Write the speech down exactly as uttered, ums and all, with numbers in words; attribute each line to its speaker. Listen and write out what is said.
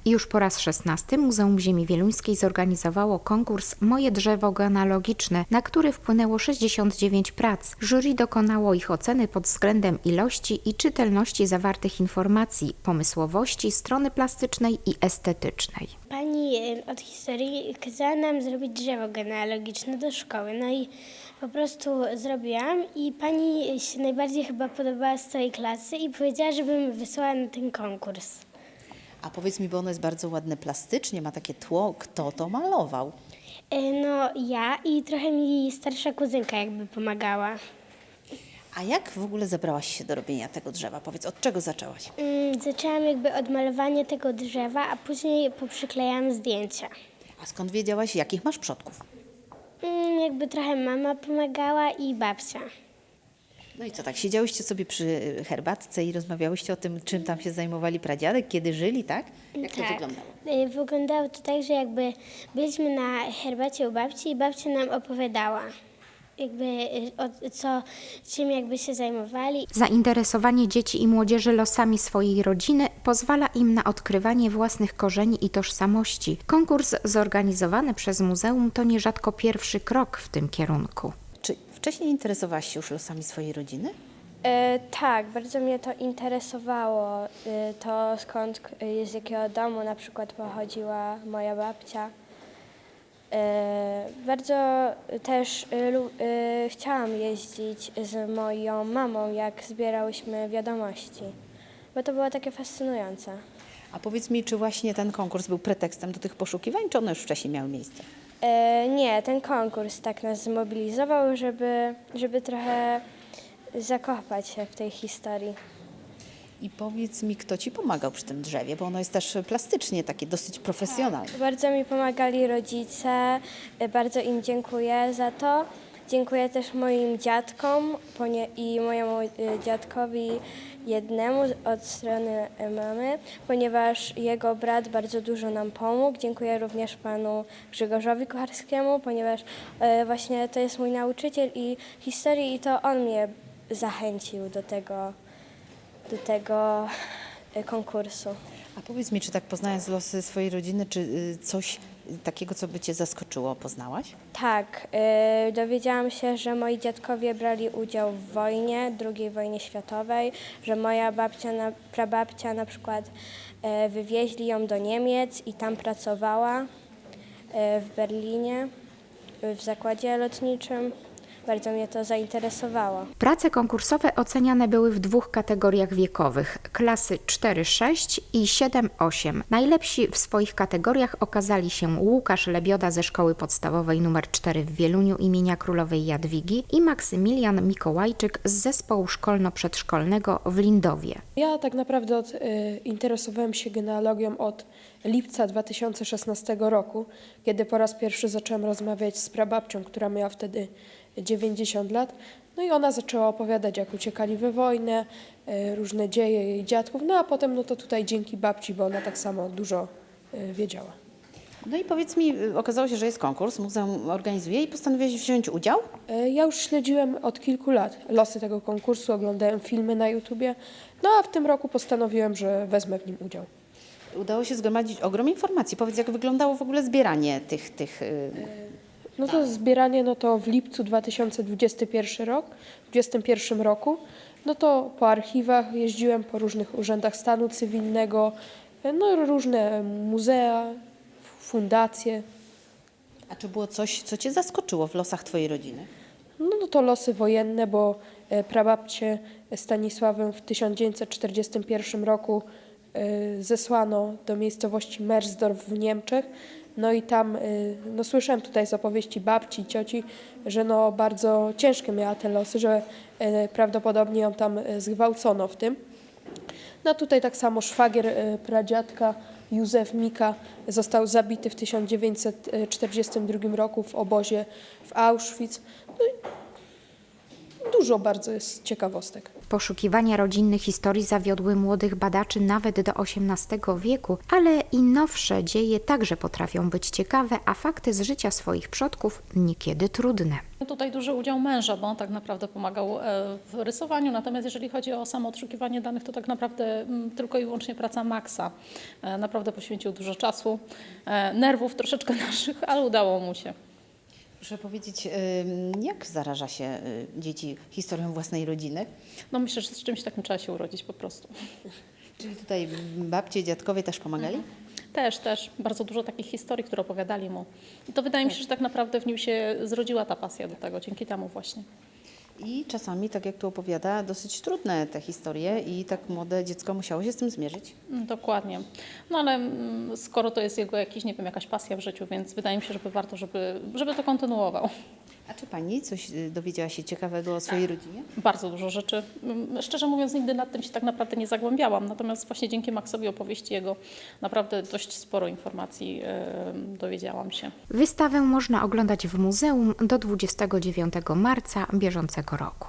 Speaker 1: Już po raz szesnasty Muzeum Ziemi Wieluńskiej zorganizowało konkurs Moje drzewo genealogiczne, na który wpłynęło sześćdziesiąt dziewięć prac. Jury dokonało ich oceny pod względem ilości i czytelności zawartych informacji, pomysłowości, strony plastycznej i estetycznej.
Speaker 2: Pani e, od historii kazała nam zrobić drzewo genealogiczne do szkoły, no i po prostu zrobiłam i pani się najbardziej chyba podobała z całej klasy i powiedziała, żebym wysłała na ten konkurs.
Speaker 3: A powiedz mi, bo ono jest bardzo ładne plastycznie, ma takie tło. Kto to malował?
Speaker 2: E, No ja i trochę mi starsza kuzynka jakby pomagała.
Speaker 3: A jak w ogóle zabrałaś się do robienia tego drzewa? Powiedz, od czego zaczęłaś?
Speaker 2: Mm, Zaczęłam jakby od malowania tego drzewa, a później poprzyklejałam zdjęcia.
Speaker 3: A skąd wiedziałaś, jakich masz przodków?
Speaker 2: Mm, Jakby trochę mama pomagała i babcia.
Speaker 3: No i co, tak siedziałyście sobie przy herbatce i rozmawiałyście o tym, czym tam się zajmowali pradziadek, kiedy żyli, tak? Jak to wyglądało?
Speaker 2: Y, Wyglądało to tak, że jakby byliśmy na herbacie u babci i babcia nam opowiadała, jakby y, o co, czym jakby się zajmowali.
Speaker 1: Zainteresowanie dzieci i młodzieży losami swojej rodziny pozwala im na odkrywanie własnych korzeni i tożsamości. Konkurs zorganizowany przez muzeum to nierzadko pierwszy krok w tym kierunku.
Speaker 3: Czy wcześniej interesowałaś się już losami swojej rodziny?
Speaker 4: E, tak, bardzo mnie to interesowało, e, to skąd, e, z jakiego domu na przykład pochodziła moja babcia. E, bardzo też e, lu, e, chciałam jeździć z moją mamą, jak zbierałyśmy wiadomości, bo to było takie fascynujące.
Speaker 3: A powiedz mi, czy właśnie ten konkurs był pretekstem do tych poszukiwań, czy one już wcześniej miały miejsce?
Speaker 4: E, nie, ten konkurs tak nas zmobilizował, żeby, żeby trochę zakopać się w tej historii.
Speaker 3: I powiedz mi, kto ci pomagał przy tym drzewie, bo ono jest też plastycznie takie dosyć profesjonalne.
Speaker 4: Bardzo mi pomagali rodzice, e, bardzo im dziękuję za to. Dziękuję też moim dziadkom ponie- i mojemu e, dziadkowi jednemu od strony e, mamy, ponieważ jego brat bardzo dużo nam pomógł. Dziękuję również panu Grzegorzowi Kucharskiemu, ponieważ e, właśnie to jest mój nauczyciel i historii i to on mnie zachęcił do tego, do tego e, konkursu.
Speaker 3: A powiedz mi, czy tak poznając losy swojej rodziny, czy y, coś takiego, co by cię zaskoczyło, poznałaś?
Speaker 4: Tak, y, dowiedziałam się, że moi dziadkowie brali udział w wojnie, drugiej wojnie światowej, że moja babcia, na, prababcia na przykład y, wywieźli ją do Niemiec i tam pracowała y, w Berlinie, y, w zakładzie lotniczym. Bardzo mnie to zainteresowało.
Speaker 1: Prace konkursowe oceniane były w dwóch kategoriach wiekowych, klasy cztery sześć i siedem osiem. Najlepsi w swoich kategoriach okazali się Łukasz Lebioda ze Szkoły Podstawowej nr cztery w Wieluniu imienia Królowej Jadwigi i Maksymilian Mikołajczyk z Zespołu Szkolno-Przedszkolnego w Lindowie.
Speaker 5: Ja tak naprawdę od, y, interesowałem się genealogią od lipca dwa tysiące szesnastego roku, kiedy po raz pierwszy zacząłem rozmawiać z prababcią, która miała wtedy dziewięćdziesiąt lat. No i ona zaczęła opowiadać, jak uciekali we wojnę, y, różne dzieje jej dziadków. No a potem no to tutaj dzięki babci, bo ona tak samo dużo y, wiedziała.
Speaker 3: No i powiedz mi, y, okazało się, że jest konkurs, muzeum organizuje i postanowiłeś wziąć udział?
Speaker 5: Y, Ja już śledziłem od kilku lat losy tego konkursu, oglądałem filmy na YouTubie, no a w tym roku postanowiłem, że wezmę w nim udział.
Speaker 3: Udało się zgromadzić ogrom informacji. Powiedz, jak wyglądało w ogóle zbieranie tych... tych y,
Speaker 5: No to zbieranie, no to w lipcu dwa tysiące dwudziestym pierwszym rok, dwudziestym pierwszym roku, no to po archiwach jeździłem po różnych urzędach stanu cywilnego, no różne muzea, fundacje.
Speaker 3: A czy było coś, co cię zaskoczyło w losach twojej rodziny?
Speaker 5: No, no to losy wojenne, bo e, prababcię Stanisławę w tysiąc dziewięćset czterdziestym pierwszym roku e, zesłano do miejscowości Mersdorf w Niemczech. No i tam, y, no słyszałem tutaj z opowieści babci i cioci, że no bardzo ciężkie miała te losy, że y, prawdopodobnie ją tam y, zgwałcono w tym. No tutaj tak samo szwagier y, pradziadka Józef Mika został zabity w tysiąc dziewięćset czterdziestym drugim roku w obozie w Auschwitz. No i dużo bardzo jest ciekawostek.
Speaker 1: Poszukiwania rodzinnych historii zawiodły młodych badaczy nawet do osiemnastego wieku, ale i nowsze dzieje także potrafią być ciekawe, a fakty z życia swoich przodków niekiedy trudne.
Speaker 6: Tutaj duży udział męża, bo on tak naprawdę pomagał e, w rysowaniu, natomiast jeżeli chodzi o samo odszukiwanie danych, to tak naprawdę mm, tylko i wyłącznie praca Maxa. E, Naprawdę poświęcił dużo czasu, e, nerwów troszeczkę naszych, ale udało mu się.
Speaker 3: Proszę powiedzieć, ym, jak zaraża się y, dzieci historią własnej rodziny?
Speaker 6: No myślę, że z czymś takim trzeba się urodzić po prostu.
Speaker 3: Czyli tutaj babcie, dziadkowie też pomagali?
Speaker 6: Też, też. Bardzo dużo takich historii, które opowiadali mu. I to wydaje mi się, że tak naprawdę w nim się zrodziła ta pasja do tego, dzięki temu właśnie.
Speaker 3: I czasami, tak jak tu opowiada, dosyć trudne te historie i tak młode dziecko musiało się z tym zmierzyć.
Speaker 6: Mm, Dokładnie. No ale mm, skoro to jest jego jakiś, nie wiem, jakaś pasja w życiu, więc wydaje mi się, że warto, żeby, żeby to kontynuował.
Speaker 3: A czy pani coś y, dowiedziała się ciekawego o swojej rodzinie?
Speaker 6: Bardzo dużo rzeczy. Mm, Szczerze mówiąc, nigdy nad tym się tak naprawdę nie zagłębiałam. Natomiast właśnie dzięki Maxowi opowieści jego naprawdę dość sporo informacji yy, dowiedziałam się.
Speaker 1: Wystawę można oglądać w muzeum do dwudziestego dziewiątego marca bieżącego roku.